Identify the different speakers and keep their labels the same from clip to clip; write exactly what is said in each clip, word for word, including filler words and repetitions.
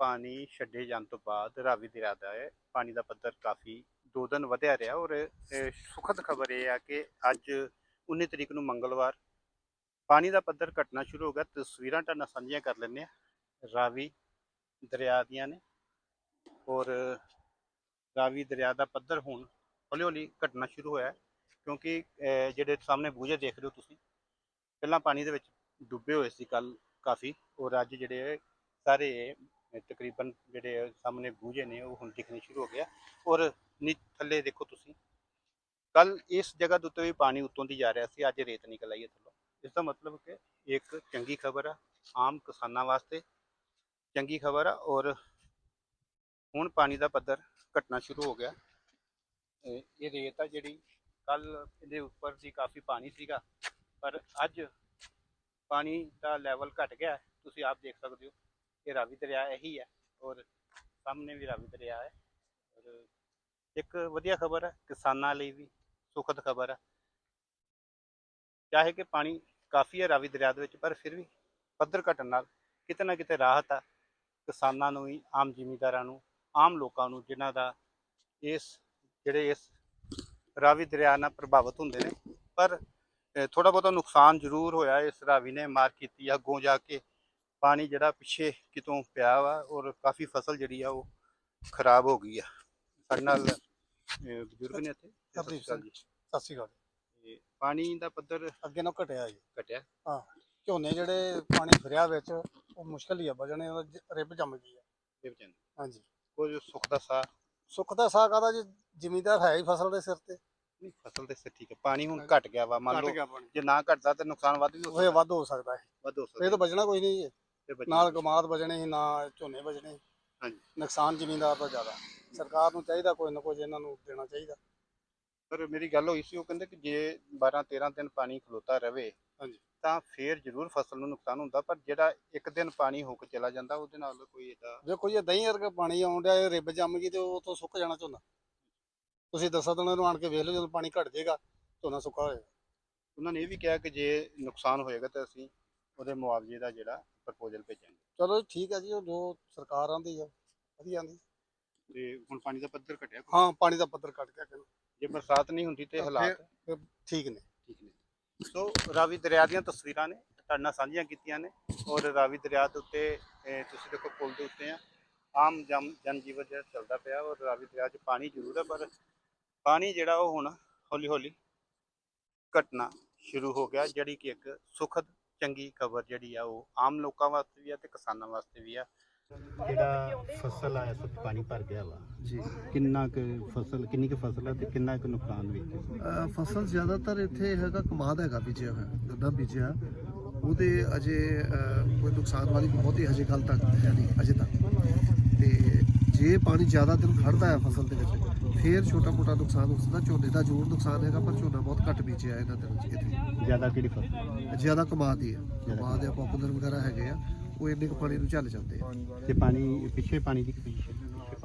Speaker 1: ਪਾਣੀ ਛੱਡੇ ਜਾਣ ਤੋਂ ਬਾਅਦ ਰਾਵੀ ਦਰਿਆ ਦਾ ਹੈ ਪਾਣੀ ਦਾ ਪੱਧਰ ਕਾਫੀ ਦੋ ਦਿਨ ਵਧਿਆ ਰਿਹਾ। ਔਰ ਸੁਖਦ ਖਬਰ ਇਹ ਆ ਕਿ ਅੱਜ ਉੱਨੀ ਤਰੀਕ ਨੂੰ ਮੰਗਲਵਾਰ ਪਾਣੀ ਦਾ ਪੱਧਰ ਘਟਣਾ ਸ਼ੁਰੂ ਹੋ ਗਿਆ। ਤਸਵੀਰਾਂ ਤੁਹਾਡੇ ਨਾਲ ਸਾਂਝੀਆਂ ਕਰ ਲੈਂਦੇ ਹਾਂ ਰਾਵੀ ਦਰਿਆ ਦੀਆਂ ਨੇ। ਔਰ ਰਾਵੀ ਦਰਿਆ ਦਾ ਪੱਧਰ ਹੁਣ ਹੌਲੀ ਹੌਲੀ ਘਟਣਾ ਸ਼ੁਰੂ ਹੋਇਆ, ਕਿਉਂਕਿ ਜਿਹੜੇ ਸਾਹਮਣੇ ਬੂਝੇ ਦੇਖ ਰਹੇ ਹੋ ਤੁਸੀਂ, ਪਹਿਲਾਂ ਪਾਣੀ ਦੇ ਵਿੱਚ ਡੁੱਬੇ ਹੋਏ ਸੀ ਕੱਲ ਕਾਫੀ, ਔਰ ਅੱਜ ਜਿਹੜੇ ਸਾਰੇ ਤਕਰੀਬਨ ਜਿਹੜੇ ਸਾਹਮਣੇ ਬੂਝੇ ਨੇ ਉਹ ਹੁਣ ਦਿਖਣੇ ਸ਼ੁਰੂ ਹੋ ਗਿਆ। ਔਰ ਨੀ ਥੱਲੇ ਦੇਖੋ ਤੁਸੀਂ, ਕੱਲ ਇਸ ਜਗ੍ਹਾ ਦੇ ਉੱਤੇ ਵੀ ਪਾਣੀ ਉੱਤੋਂ ਦੀ ਜਾ ਰਿਹਾ ਸੀ, ਅੱਜ ਰੇਤ ਨਿਕਲ ਆਈ ਹੈ ਥੱਲੋਂ। ਇਸ ਦਾ ਮਤਲਬ ਕਿ ਇੱਕ ਚੰਗੀ ਖਬਰ ਆ, ਆਮ ਕਿਸਾਨਾਂ ਵਾਸਤੇ ਚੰਗੀ ਖਬਰ ਆ। ਔਰ ਹੁਣ ਪਾਣੀ ਦਾ ਪੱਧਰ ਘਟਣਾ ਸ਼ੁਰੂ ਹੋ ਗਿਆ। ਇਹ ਰੇਤ ਆ ਜਿਹੜੀ ਕੱਲ ਇਹਦੇ ਉੱਪਰ ਦੀ ਕਾਫੀ ਪਾਣੀ ਸੀਗਾ, ਪਰ ਅੱਜ ਪਾਣੀ ਦਾ ਲੈਵਲ ਘਟ ਗਿਆ। ਤੁਸੀਂ ਆਪ ਦੇਖ ਸਕਦੇ ਹੋ ਇਹ ਰਾਵੀ ਦਰਿਆ ਇਹੀ ਹੈ, ਔਰ ਸਾਹਮਣੇ ਵੀ ਰਾਵੀ ਦਰਿਆ ਹੈ। ਔਰ ਇੱਕ ਵਧੀਆ ਖਬਰ ਹੈ, ਕਿਸਾਨਾਂ ਲਈ ਵੀ ਸੁਖਦ ਖਬਰ ਹੈ। ਚਾਹੇ ਕਿ ਪਾਣੀ ਕਾਫੀ ਹੈ ਰਾਵੀ ਦਰਿਆ ਦੇ ਵਿੱਚ, ਪਰ ਫਿਰ ਵੀ ਪੱਧਰ ਘਟਣ ਨਾਲ ਕਿਤੇ ਨਾ ਕਿਤੇ ਰਾਹਤ ਆ ਕਿਸਾਨਾਂ ਨੂੰ ਵੀ, ਆਮ ਜ਼ਿਮੀਂਦਾਰਾਂ ਨੂੰ, ਆਮ ਲੋਕਾਂ ਨੂੰ, ਜਿਨ੍ਹਾਂ ਦਾ ਇਸ ਜਿਹੜੇ ਇਸ ਰਾਵੀ ਦਰਿਆ ਨਾਲ ਪ੍ਰਭਾਵਿਤ ਹੁੰਦੇ ਨੇ। ਪਰ ਥੋੜ੍ਹਾ ਬਹੁਤਾ ਨੁਕਸਾਨ ਜ਼ਰੂਰ ਹੋਇਆ, ਇਸ ਰਾਵੀ ਨੇ ਮਾਰ ਕੀਤੀ ਆ ਅੱਗੋਂ ਜਾ ਕੇ। ਪਾਣੀ ਜਿਹੜਾ ਪਿੱਛੇ ਕਿਤੋਂ ਪਿਆ ਵਾ, ਔਰ ਕਾਫੀ ਫਸਲ ਜਿਹੜੀ ਆ ਉਹ ਖਰਾਬ ਹੋ ਗਈ ਆ। ਸਾਡੇ ਨਾਲ ਬਜ਼ੁਰਗ ਨੇ ਇੱਥੇ।
Speaker 2: ਸਤਿ ਸ਼੍ਰੀ ਅਕਾਲ।
Speaker 1: ਪਾਣੀ ਦਾ ਪੱਧਰ
Speaker 2: ਅੱਗੇ ਨਾਲ ਘਟਿਆ ਜੀ,
Speaker 1: ਘਟਿਆ।
Speaker 2: ਹਾਂ, ਝੋਨੇ ਜਿਹੜੇ ਪਾਣੀ ਫਿਰਿਆ ਵਿੱਚ ਉਹ ਮੁਸ਼ਕਲ ਹੀ ਆ ਬਜਣੇ, ਰਿਬ ਜੰਮ ਗਈ ਆ। ਹਾਂਜੀ,
Speaker 1: ਕੁਝ ਸੁੱਖ ਦਾ ਸਾਹ
Speaker 2: ਸੁੱਖ ਦਾ ਸਾਹ ਕਾਹਦਾ ਜੀ, ਜ਼ਿਮੀਂਦਾਰ ਹੈ ਹੀ ਫਸਲ ਦੇ ਸਿਰ ਤੇ।
Speaker 1: ਨਹੀਂ, ਫਸਲ ਦੇ ਸਿਰ ਠੀਕ ਹੈ, ਪਾਣੀ ਹੁਣ ਘਟ ਗਿਆ ਵਾ, ਮੰਨ ਲਓ ਜੇ ਨਾ ਘਟਦਾ ਤਾਂ ਨੁਕਸਾਨ ਵੱਧ ਵੀ ਹੋ
Speaker 2: ਸਕਦਾ। ਵੱਧ ਹੋ ਸਕਦਾ ਹੈ,
Speaker 1: ਵੱਧ ਹੋ ਸਕਦਾ।
Speaker 2: ਇਹ ਤਾਂ ਬਚਣਾ ਕੋਈ ਨਹੀਂ ਜੀ, ਨਾਲ ਕਮਾਦ ਬਚਣੇ ਸੀ, ਨਾ ਝੋਨੇ ਬਚਣੇ।
Speaker 1: ਹਾਂਜੀ, ਨੁਕਸਾਨ
Speaker 2: ਜ਼ਿਮੀਂਦਾਰ ਤੋਂ ਜ਼ਿਆਦਾ ਸਰਕਾਰ ਨੂੰ ਚਾਹੀਦਾ ਕੋਈ ਨਾ ਕੁਝ ਇਹਨਾਂ ਨੂੰ ਦੇਣਾ ਚਾਹੀਦਾ।
Speaker 1: ਪਰ ਮੇਰੀ ਗੱਲ ਹੋਈ ਸੀ, ਉਹ ਕਹਿੰਦੇ ਕਿ ਜੇ ਬਾਰਾਂ ਤੇਰਾਂ ਦਿਨ ਪਾਣੀ ਖਲੋਤਾ ਰਵੇ
Speaker 2: ਹਾਂਜੀ
Speaker 1: ਤਾਂ ਫੇਰ ਜ਼ਰੂਰ ਫਸਲ ਨੂੰ ਨੁਕਸਾਨ ਹੁੰਦਾ, ਪਰ ਜਿਹੜਾ ਇੱਕ ਦਿਨ ਪਾਣੀ ਹੋ ਕੇ ਚਲਾ ਜਾਂਦਾ ਉਹਦੇ ਨਾਲ ਕੋਈ ਇਹਦਾ
Speaker 2: ਦੇਖੋ ਜੀ, ਦਹੀਂ ਵਰਗਾ ਪਾਣੀ ਆਉਣ ਡਿਆ, ਇਹ ਰਿਬ ਜੰਮ ਗਈ ਤੇ ਉਹ ਤੋਂ ਸੁੱਕ ਜਾਣਾ ਝੋਨਾ। ਤੁਸੀਂ ਦਸਾਂ ਦਿਨਾਂ ਨੂੰ ਆਣ ਕੇ ਵੇਖ ਲਓ, ਜਦੋਂ ਪਾਣੀ ਘਟ ਜਾਏਗਾ ਝੋਨਾ ਸੁੱਕਾ ਹੋਏਗਾ।
Speaker 1: ਉਹਨਾਂ ਨੇ ਇਹ ਵੀ ਕਿਹਾ ਕਿ ਜੇ ਨੁਕਸਾਨ ਹੋਏਗਾ ਤਾਂ ਅਸੀਂ ਉਹਦੇ ਮੁਆਵਜ਼ੇ ਦਾ ਜਿਹੜਾ ਪ੍ਰਪੋਜ਼ਲ ਭੇਜਾਂਗੇ।
Speaker 2: ਚਲੋ ਠੀਕ ਹੈ ਜੀ, ਉਹ ਜੋ ਸਰਕਾਰ ਆਂਦੀ ਆ ਵਧੀਆ ਆਂਦੀ।
Speaker 1: ਤੇ ਹੁਣ ਪਾਣੀ ਦਾ ਪੱਧਰ ਘਟਿਆ?
Speaker 2: ਹਾਂ, ਪਾਣੀ ਦਾ ਪੱਧਰ ਘਟ ਗਿਆ।
Speaker 1: ਜੇ ਬਰਸਾਤ ਨਹੀਂ ਹੁੰਦੀ ਤੇ ਹਾਲਾਤ
Speaker 2: ਠੀਕ ਨੇ।
Speaker 1: ਠੀਕ ਨੇ। ਸੋ ਰਾਵੀ ਦਰਿਆ ਦੀਆਂ ਤਸਵੀਰਾਂ ਨੇ ਤੁਹਾਡੇ ਨਾਲ ਸਾਂਝੀਆਂ ਕੀਤੀਆਂ ਨੇ। ਔਰ ਰਾਵੀ ਦਰਿਆ ਦੇ ਉੱਤੇ ਤੁਸੀਂ ਦੇਖੋ ਪੁਲ ਦੇ ਉੱਤੇ ਆ, ਆਮ ਜਨ ਜਨ ਜੀਵਨ ਜਿਹੜਾ ਚੱਲਦਾ ਪਿਆ। ਔਰ ਰਾਵੀ ਦਰਿਆ 'ਚ ਪਾਣੀ ਜ਼ਰੂਰ ਹੈ, ਪਰ ਪਾਣੀ ਜਿਹੜਾ ਉਹ ਹੁਣ ਹੌਲੀ ਹੌਲੀ ਘਟਣਾ ਸ਼ੁਰੂ ਹੋ ਗਿਆ, ਜਿਹੜੀ ਕਿ ਇੱਕ ਸੁਖਦ ਚੰਗੀ ਖਬਰ ਜਿਹੜੀ ਆ ਉਹ ਆਮ ਲੋਕਾਂ ਵਾਸਤੇ ਵੀ ਆ ਤੇ ਕਿਸਾਨਾਂ ਵਾਸਤੇ ਵੀ ਆ। ਜਿਹੜਾ ਫਸਲ ਆ ਇਸ ਵਕਤ ਪਾਣੀ ਭਰ ਗਿਆ ਵਾ
Speaker 2: ਜੀ,
Speaker 1: ਕਿੰਨਾ ਕੁ ਫਸਲ ਕਿੰਨੀ ਕੁ ਫਸਲ ਆ ਤੇ ਕਿੰਨਾ ਕੁ ਨੁਕਸਾਨ ਵੀ?
Speaker 2: ਫਸਲ ਜ਼ਿਆਦਾਤਰ ਇੱਥੇ ਹੈਗਾ, ਕਮਾਦ ਹੈਗਾ ਬੀਜਿਆ ਹੋਇਆ, ਗੰਨਾ ਬੀਜਿਆ, ਉਹਦੇ ਅਜੇ ਕੋਈ ਨੁਕਸਾਨ ਵਾਲੀ ਬਹੁਤੀ ਹਜੇ ਗੱਲ ਤੱਕ ਹੈ ਨਹੀਂ ਅਜੇ ਤੱਕ। ਤੇ ਜੇ ਪਾਣੀ ਜ਼ਿਆਦਾ ਦਿਨ ਖੜਦਾ ਹੈ ਫਸਲ ਦੇ ਵਿੱਚ ਫੇਰ ਛੋਟਾ ਮੋਟਾ ਨੁਕਸਾਨ ਹੋ ਸਕਦਾ। ਝੋਨੇ ਦਾ ਜ਼ਰੂਰ ਨੁਕਸਾਨ ਹੈਗਾ, ਪਰ ਝੋਨਾ ਬਹੁਤ ਘੱਟ ਬੀਜਿਆ ਇਹਨਾਂ ਦਿਨਾਂ 'ਚ। ਇੱਥੇ
Speaker 1: ਜ਼ਿਆਦਾ ਕਿਹੜੀ ਫਸਲ?
Speaker 2: ਜ਼ਿਆਦਾ ਕਮਾਦ ਹੀ ਆ, ਕਮਾਦ ਜਾਂ ਪੋਪੂਲਰ ਵਗੈਰਾ ਹੈਗੇ ਆ, ਉਹ ਇੰਨੇ ਕੁ ਪਾਣੀ ਨੂੰ ਝੱਲ ਜਾਂਦੇ ਆ।
Speaker 1: ਤੇ ਪਾਣੀ ਪਿੱਛੇ ਪਾਣੀ ਦੀ ਪੋਜੀਸ਼ਨ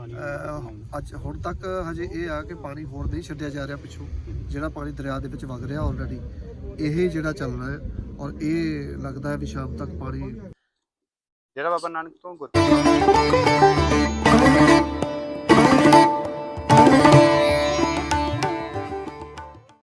Speaker 2: ਅੱਜ ਹੁਣ ਤੱਕ ਹਜੇ ਇਹ ਆ ਕਿ ਪਾਣੀ ਹੋਰ ਨਹੀਂ ਛੱਡਿਆ ਜਾ ਰਿਹਾ ਪਿੱਛੋਂ, ਜਿਹੜਾ ਪਾਣੀ ਦਰਿਆ ਦੇ ਵਿੱਚ ਵਗ ਰਿਹਾ ਆਲਰੇਡੀ ਇਹ ਜਿਹੜਾ ਚੱਲ ਰਿਹਾ ਹੈ। ਔਰ ਇਹ ਲੱਗਦਾ ਹੈ ਵੀ ਸ਼ਾਮ ਤੱਕ ਪਾਣੀ
Speaker 1: ਜਿਹੜਾ ਬਾਬਾ ਨਾਨਕ ਤੋਂ ਗੁਰ